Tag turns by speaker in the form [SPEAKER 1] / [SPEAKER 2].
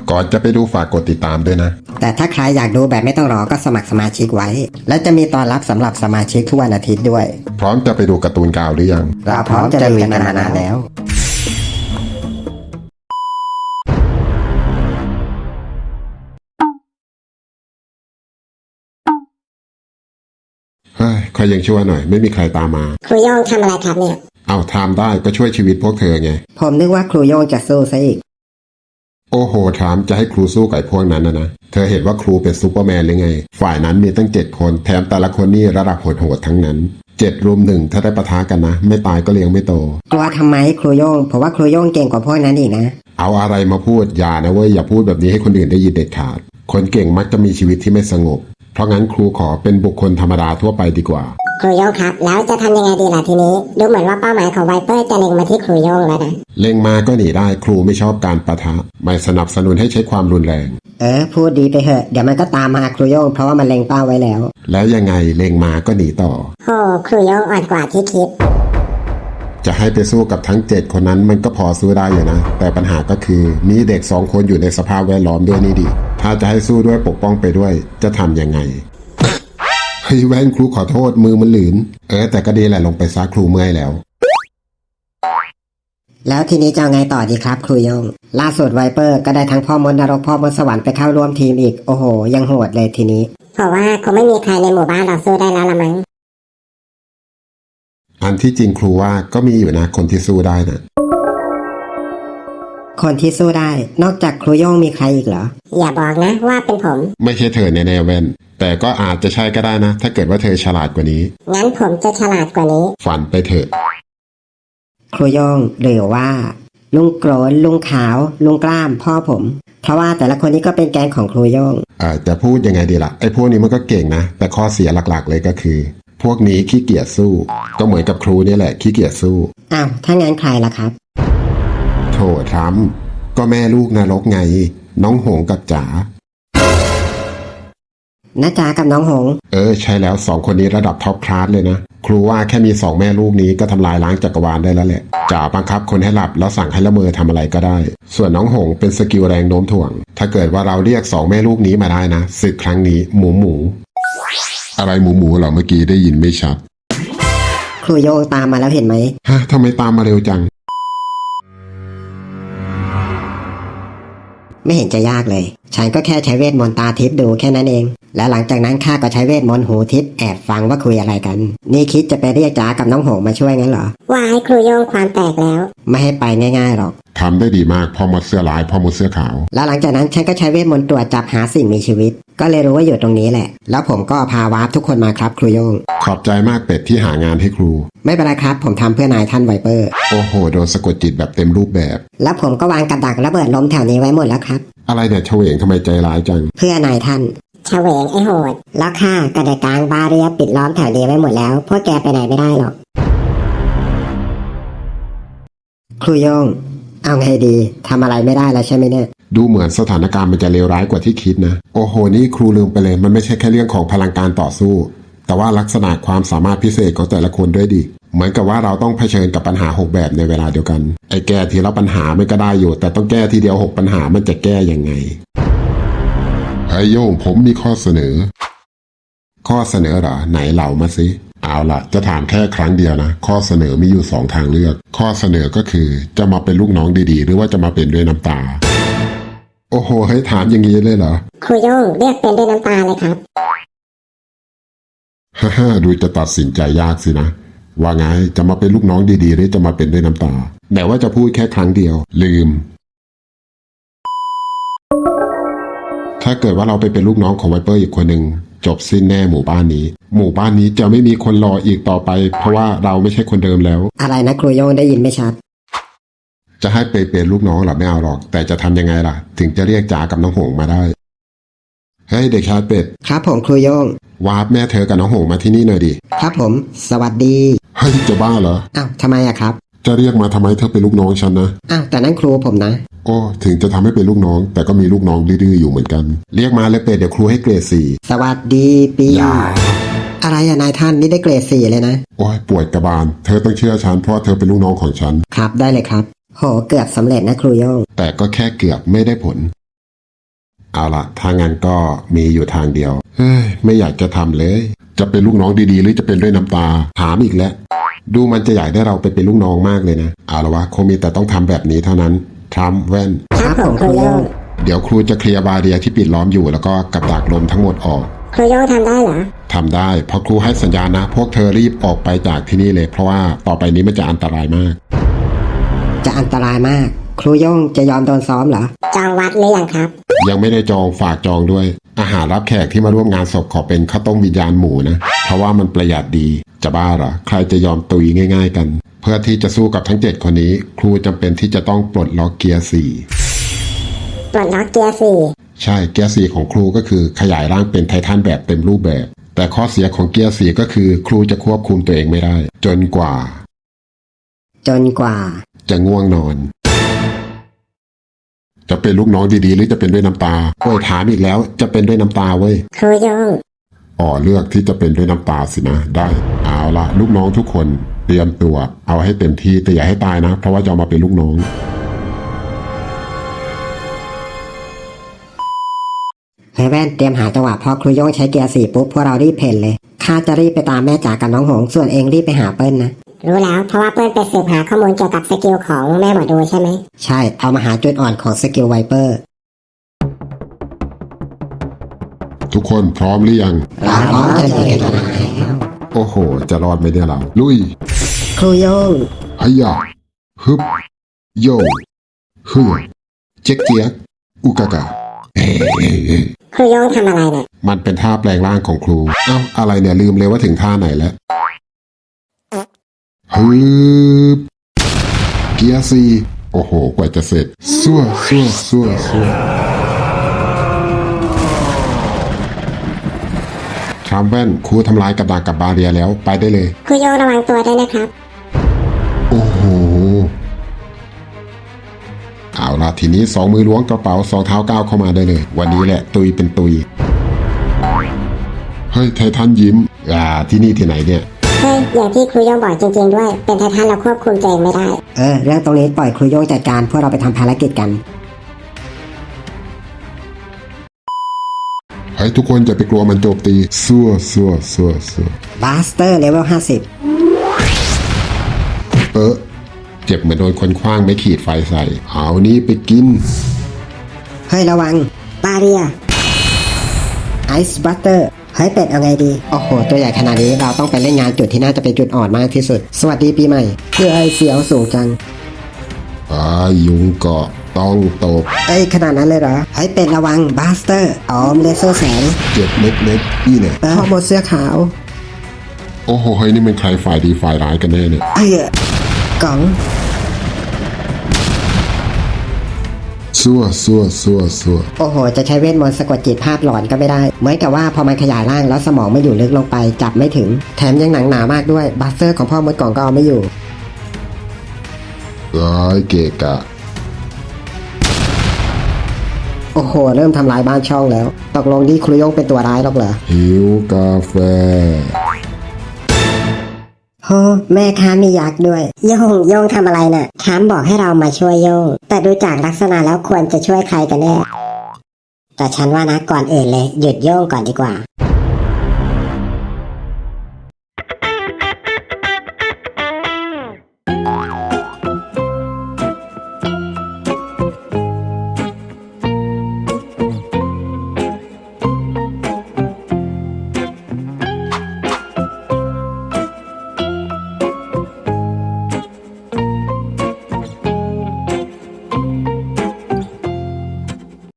[SPEAKER 1] ก่อนจะไปดูฝากกดติดตามด้วยนะ
[SPEAKER 2] แต่ถ้าใครอยากดูแบบไม่ต้องรอก็สมัครสมาชิกไว้และจะมีตอนรับสำหรับสมาชิกทุกวันอาทิตย์ด้วย
[SPEAKER 1] พร้อมจะไปดูการ์ตูนกาวหรือยัง
[SPEAKER 2] เราพร้อมจะลุยกันมานานแล้ว
[SPEAKER 1] เฮ้ยคอยยังชั่วหน่อยไม่มีใครตามมา
[SPEAKER 3] ครูโย่งทำอะไรครับเนี่ย
[SPEAKER 1] เอาทำได้ก็ช่วยชีวิตพวกเธอไง
[SPEAKER 2] ผมนึกว่าครูโย่งจะสู้ซะอีก
[SPEAKER 1] โอ้โหถามจะให้ครูสู้กับพวกนั้นนะเธอเห็นว่าครูเป็นซูเปอร์แมนหรือไงฝ่ายนั้นมีตั้ง7 คนแถมแต่ละคนนี่ระดับโหดๆทั้งนั้น7 รุม 1ถ้าได้ปะทะกันนะไม่ตายก็เลี้ยงไม่โต
[SPEAKER 2] กลัวทำไมครูโย่งผมว่าครูโย่งเก่งกว่าพวกนั้นอีกนะ
[SPEAKER 1] เอาอะไรมาพูดอย่านะเว้ยอย่าพูดแบบนี้ให้คนอื่นได้ยินเด็ดขาดคนเก่งมักจะมีชีวิตที่ไม่สงบเพราะงั้นครูขอเป็นบุคคลธรรมดาทั่วไปดีกว่า
[SPEAKER 3] ครูโย่งครับแล้วจะทำยังไงดีล่ะทีนี้ดูเหมือนว่าเป้าหมายของไวเปอร์จะเล็งมาที่ครูโย่งแล้วนะ
[SPEAKER 1] เล็งมาก็หนีได้ครูไม่ชอบการปะทะไม่สนับสนุนให้ใช้ความรุนแรง
[SPEAKER 2] พูดดีไปเถอะเดี๋ยวมันก็ตามมาครูโย่งเพราะว่ามันเล็งเป้าไว้แล้ว
[SPEAKER 1] ยังไงเล็งมาก็หนีต่อ
[SPEAKER 3] โอ้ครูโย่งอ่อนกว่าที่คิด
[SPEAKER 1] จะให้ไปสู้กับทั้ง7 คนนั้นมันก็พอสู้ได้อยู่นะแต่ปัญหาก็คือมีเด็ก2 คนอยู่ในสภาพแวดล้อมด้วยนี่ดิถ้าจะให้สู้ด้วยปกป้องไปด้วยจะทำยังไงเฮ้ยแว่นครูขอโทษมือมันหลืนแต่ก็ดีแหละลงไปซักครูเมื่อย
[SPEAKER 2] แล้วทีนี้จะเอาไงต่อดีครับครูโย่งล่าสุดไวเปอร์ก็ได้ทั้งพ่อมดนรกพ่อมดสวรรค์ไปเข้าร่วมทีมอีกโอ้โหยังโหดเลยทีนี้
[SPEAKER 3] เพราะว่าคงไม่มีใครในหมู่บ้านเราสู้ได้แล้วละมั้ง
[SPEAKER 1] อันที่จริงครูว่าก็มีอยู่นะคนที่สู้ได้นะ
[SPEAKER 2] คนที่สู้ได้นอกจากครูโย่งมีใครอีกเหรอ
[SPEAKER 3] อย่าบอกนะว่าเป็นผม
[SPEAKER 1] ไม่ใช่เธอแน่ๆแว่นแต่ก็อาจจะใช่ก็ได้นะถ้าเกิดว่าเธอฉลาดกว่านี้
[SPEAKER 3] งั้นผมจะฉลาดกว่านี้
[SPEAKER 1] ฝันไปเถอะ
[SPEAKER 2] ครูโย่งหรือว่าลุงโกรนลุงขาวลุงกล้ามพ่อผมเพราะว่าแต่ละคนนี้ก็เป็นแกงของครูโย่ง
[SPEAKER 1] จะพูดยังไงดีล่ะไอ้พวกนี้มันก็เก่งนะแต่ข้อเสียหลักๆเลยก็คือพวกนี้ขี้เกียจสู้ก็เหมือนกับครูนี่แหละขี้เกียจสู้
[SPEAKER 2] อ้าวถ้างั้นใครล่ะครับ
[SPEAKER 1] โถทำก็แม่ลูกนรกไงน้องหงกับจ๋า
[SPEAKER 2] น้าจ๋ากับน้องหง
[SPEAKER 1] ใช่แล้ว2 คนนี้ระดับท็อปคลาสเลยนะครูว่าแค่มี2 แม่ลูกนี้ก็ทำลายล้างจักรวาลได้แล้วแหละจ๋าบังคับคนให้หลับแล้วสั่งให้ละเมอทำอะไรก็ได้ส่วนน้องหงเป็นสกิลแรงโน้มถ่วงถ้าเกิดว่าเราเรียก2 แม่ลูกนี้มาได้นะศึกครั้งนี้หมูอะไรหมูเหรอเมื่อกี้ได้ยินไม่ชัด
[SPEAKER 2] ครูโย่งตามมาแล้วเห็นไหม
[SPEAKER 1] ฮะทำไมตามมาเร็วจัง
[SPEAKER 2] ไม่เห็นจะยากเลยฉันก็แค่ใช้เวทมนต์ตาทิพย์ดูแค่นั้นเองแล้วหลังจากนั้นข้าก็ใช้เวทมนต์หูทิพย์แอบฟังว่าคุยอะไรกันนี่คิดจะไปเรียกจ๋ากับน้องหงมาช่วยงั้นเหรอ
[SPEAKER 3] ว่าให้ครูโย่งความแตกแล้ว
[SPEAKER 2] ไม่ให้ไปง่ายๆหรอก
[SPEAKER 1] ทำได้ดีมากพ่อมดเสื้อลายพ่อมดเสื้อขาว
[SPEAKER 2] แล้วหลังจากนั้นฉันก็ใช้เวทมนต์ตรวจจับหาสิ่งมีชีวิตก็เลยรู้ว่าอยู่ตรงนี้แหละแล้วผมก็พาวาร์ปทุกคนมาครับครูโย่ง
[SPEAKER 1] ขอบใจมากเป็ดที่หางานให้ครู
[SPEAKER 2] ไม่เป็นไรครับผมทำเพื่อนายท่านไวเปอร์
[SPEAKER 1] โอ้โหโดนสะกดจิตแบบเต็มรูปแบบ
[SPEAKER 2] แล้วผมก็วางกับดักระเบิดล้มแถวนี้ไว้หมดแล้วครับ
[SPEAKER 1] อะไรเนี่ยเฉวงทำไมใจร้ายจัง
[SPEAKER 2] เพื่อนายท่าน
[SPEAKER 3] เฉวงไอ้โหด
[SPEAKER 2] แล้วข้าก็ได้กลางบาเรียปิดล้อมแถวนี้ไว้หมดแล้วพวกแกไปไหนไม่ได้หรอกครูโย่งเอาไงดีทำอะไรไม่ได้แล้วใช่ไหมเนี่ย
[SPEAKER 1] ดูเหมือนสถานการณ์มันจะเลวร้ายกว่าที่คิดนะโอ้โหนี่ครูลืมไปเลยมันไม่ใช่แค่เรื่องของพลังการต่อสู้แต่ว่าลักษณะความสามารถพิเศษของแต่ละคนด้วยดิเหมือนกับว่าเราต้องเผชิญกับปัญหา6 แบบในเวลาเดียวกันไอ้แก้ทีละปัญหาไม่ก็ได้อยู่แต่ต้องแก้ทีเดียว6 ปัญหามันจะแก้ยังไงไอ้โย่งผมมีข้อเสนอเหรอไหนเล่ามาสิเอาล่ะจะถามแค่ครั้งเดียวนะข้อเสนอมีอยู่2 ทางเลือกข้อเสนอก็คือจะมาเป็นลูกน้องดีๆหรือว่าจะมาเป็นด้วยน้ำตาโอ้โหให้ถามอย่างนี้เลยเหรอ
[SPEAKER 3] ครูโย่งเรียกเป็นด้วยน้ำตาเลยครับ
[SPEAKER 1] ฮ่าดูจะตัดสินใจยากสินะว่าไงจะมาเป็นลูกน้องดีๆหรือจะมาเป็นด้วยน้ำตาแต่ว่าจะพูดแค่ครั้งเดียวลืมถ้าเกิดว่าเราไปเป็นลูกน้องของไวเปอร์อีกคนหนึ่งจบสิ้นแน่หมู่บ้านนี้จะไม่มีคนรออีกต่อไปเพราะว่าเราไม่ใช่คนเดิมแล้ว
[SPEAKER 2] อะไรนะครูโย่งได้ยินไม่ชัด
[SPEAKER 1] จะให้ไปเป็นลูกน้องหรอไม่เอาหรอกแต่จะทำยังไงล่ะถึงจะเรียกจ๋ากับน้องหงมาได้เฮ้ยเด็กชายเป็ด
[SPEAKER 2] ครับผมครูโย่ง
[SPEAKER 1] วาร์ปแม่เธอกับน้องหงมาที่นี่หน่อยดิ
[SPEAKER 2] ครับผมสวัสดี
[SPEAKER 1] เฮ้ยจะบ้าเหรอ
[SPEAKER 2] อ้าวทำไมอะครับ
[SPEAKER 1] จะเรียกมาทำไมเธอเป็นลูกน้องฉันนะ
[SPEAKER 2] อ้าวแต่นั่นครูผมนะ
[SPEAKER 1] โอ้ถึงจะทำให้เป็นลูกน้องแต่ก็มีลูกน้องดื้อๆอยู่เหมือนกันเรียกมาเลยเป็ดเดี๋ยวครูให้เกรด4
[SPEAKER 2] สวัสดีปีอะไรอะนายท่านนี่ได้เกรด4เลยนะ
[SPEAKER 1] โอ้ยปวดกระบาลเธอต้องเชื่อฉันเพราะเธอเป็นลูกน้องของฉัน
[SPEAKER 2] ครับได้เลยครับโหเกือบสำเร็จนะครูโย่ง
[SPEAKER 1] แต่ก็แค่เกือบไม่ได้ผลเอาละถ้างั้นก็มีอยู่ทางเดียวเฮ้ยไม่อยากจะทำเลย จะเป็นลูกน้องดีๆ หรือจะเป็นด้วยน้ำตาถามอีกแล้วดูมันจะอยากได้เราไปเป็นลูกน้องมากเลยนะเอาละวะคงมีแต่ต้องทำแบบนี้เท่านั้นทรัมป์แว่น
[SPEAKER 3] ครับผมครูโย่ง
[SPEAKER 1] เดี๋ยวครูจะเคลียร์บาเรียที่ปิดล้อมอยู่แล้วก็กับดักลมทั้งหมดออก
[SPEAKER 3] ครูโย่งทำได้เหรอ
[SPEAKER 1] ทำได้เพราะครูให้สัญญาณนะ พวกเธอรีบออกไปจากที่นี่เลยเพราะว่าต่อไปนี้มันจะอันตรายมาก
[SPEAKER 2] จะอันตรายมาก ครูโย่งจะยอมโดนซ้อมเหรอ
[SPEAKER 3] จองวัดหรือยังครับ
[SPEAKER 1] ยังไม่ได้จองฝากจองด้วย อาหารรับแขกที่มาร่วมงานศพขอเป็นข้าวต้มวิญญาณหมูนะเพราะว่ามันประหยัดดีจะบ้าเหรอใครจะยอมตุยง่ายๆกัน เพื่อที่จะสู้กับทั้ง7คนนี้ ครูจำเป็นที่จะต้องปลดล็อกเกียร์
[SPEAKER 3] ปลดล็อกเกียร์สี่
[SPEAKER 1] 4ใช่เกียร์ 4ของครูก็คือขยายร่างเป็นไททันแบบเต็มรูปแบบ แต่ข้อเสียของเกียร์ 4ก็คือครูจะควบคุมตัวเองไม่ได้ จนกว่า จะง่วงนอน จะเป็นลูกน้องดีๆหรือจะเป็นด้วยน้ำตาโอ้ยถามอีกแล้วจะเป็นด้วยน้ำตาเว้ย
[SPEAKER 3] ครูโย่ง
[SPEAKER 1] อ๋อเลือกที่จะเป็นด้วยน้ำตาสินะได้เอาละลูกน้องทุกคนเตรียมตัวเอาให้เต็มที่แต่อย่าให้ตายนะ เพราะว่าจะเอามาเป็นลูกน้อง
[SPEAKER 2] เฮ้ยแว่นเตรียมหาจังหวะพอครูโย่งใช้เกียร์4ปุ๊บพวกเรารีบเพ่นเลยข้าจะรีบไปตามแม่จ๋ากับน้องหงส่วนเองรีบไปหาเปิ้ลนะ
[SPEAKER 3] รู้แล้วเพราะว่าเปิ้ลไปสืบหาข้อมูลเกี่ยวกับสกิลของแม่หมอดูใช่ไหม
[SPEAKER 2] ใช่เอามาหาจุดอ่อนของสกิลไวเปอร์
[SPEAKER 1] ทุกคนพร้อมหรือยัง
[SPEAKER 2] เราพร้อมจะยิงกัน
[SPEAKER 1] โอ้โห จะรอดไหมเนี่ยเราลุย
[SPEAKER 2] ครูโย่ง
[SPEAKER 1] ฮยะฮึบโยฮึเจ๊กเจี๊ยกอุกากะเฮ้
[SPEAKER 3] ครูโย่งทำอะไรเนี่ย
[SPEAKER 1] มันเป็นท่าแปลงร่างของครูเอ้าอะไรเนี่ยลืมเลยว่าถึงท่าไหนแล้วฮึบเกียร์สี่โอ้โหกว่าจะเสร็จซั่วทรัมป์แว่นครูทำลายกับดักกับบาเรียแล้วไปได้เลย
[SPEAKER 3] ครูโย่งระวังตัวด้วยนะครับ
[SPEAKER 1] โอ้โห เอาล่ะทีนี้2 มือล้วงกระเป๋า2 เท้าก้าวเข้ามาได้เลย วันนี้แหละตุยเป็นตุย เฮ้ยไททันยิ้มที่นี่ที่ไหนเนี่ย
[SPEAKER 3] เฮ้ยอย่างที่ครูโย่งบอกจริงๆด้วย เป็นไททันเราควบคุมตัวเองไม่ได้
[SPEAKER 2] เรื่องตรงนี้ปล่อยครูโย่งจัดการพวกเราไปทำภารกิจกัน
[SPEAKER 1] เฮ้ยทุกคนอย่าไปกลัวมันโจมตีซั่ว
[SPEAKER 2] บาสเตอร์เลเวล50
[SPEAKER 1] เจ็บเหมือนโดนคนคว้างไม่ขีดไฟใส่ เอานี้ไปกิน
[SPEAKER 2] เฮ้ยระวัง
[SPEAKER 3] บาเรีย
[SPEAKER 2] ไอซ์บัตเตอร์เฮ้ยเป็ดเอาไงดี โอ้โห ตัวใหญ่ขนาดนี้เราต้องไปเล่นงานจุดที่น่าจะเป็นจุดอ่อนมากที่สุด สวัสดีปีใหม่เพื่อไอเสียวสูงจัง
[SPEAKER 1] ยุงเกาะต้องตบ
[SPEAKER 2] เอ้ยขนาดนั้นเลยเหรอเฮ้ยเป็ดระวังบาสเตอร์อ๋อมเลเซอร์แสง
[SPEAKER 1] เจ็บเล็กๆนี่เนี่ย
[SPEAKER 2] พ่อหมดเสื้อขาว
[SPEAKER 1] โอ้โหเฮ้ยนี่มันใครฝ่ายดีฝ่ายร้ายกันแน่เนี่ย
[SPEAKER 2] กล่อง
[SPEAKER 1] ซั่ว
[SPEAKER 2] โอ้โห จะใช้เวทมนต์สะกดจิตภาพหลอนก็ไม่ได้ เหมือนกับว่าพอมันขยายร่างแล้วสมองไม่อยู่ลึกลงไปจับไม่ถึง แถมยังหนังหนามากด้วยบัสเตอร์ของพ่อมดกล่องก็เอาไม่อยู่
[SPEAKER 1] เกะกะ
[SPEAKER 2] โอ้โห เริ่มทำลายบ้านช่องแล้ว ตกลงที่ครูโย่งเป็นตัวร้ายหรอกเหรอ
[SPEAKER 1] หิวกาแฟ
[SPEAKER 2] โหแม่ค้ามียักษ์ด้วย
[SPEAKER 3] โย่งทำอะไรน่ะถามบอกให้เรามาช่วยโย่งแต่ดูจากลักษณะแล้วควรจะช่วยใครกันแน่แต่ฉันว่านะก่อนอื่นเลยหยุดโย่งก่อนดีกว่า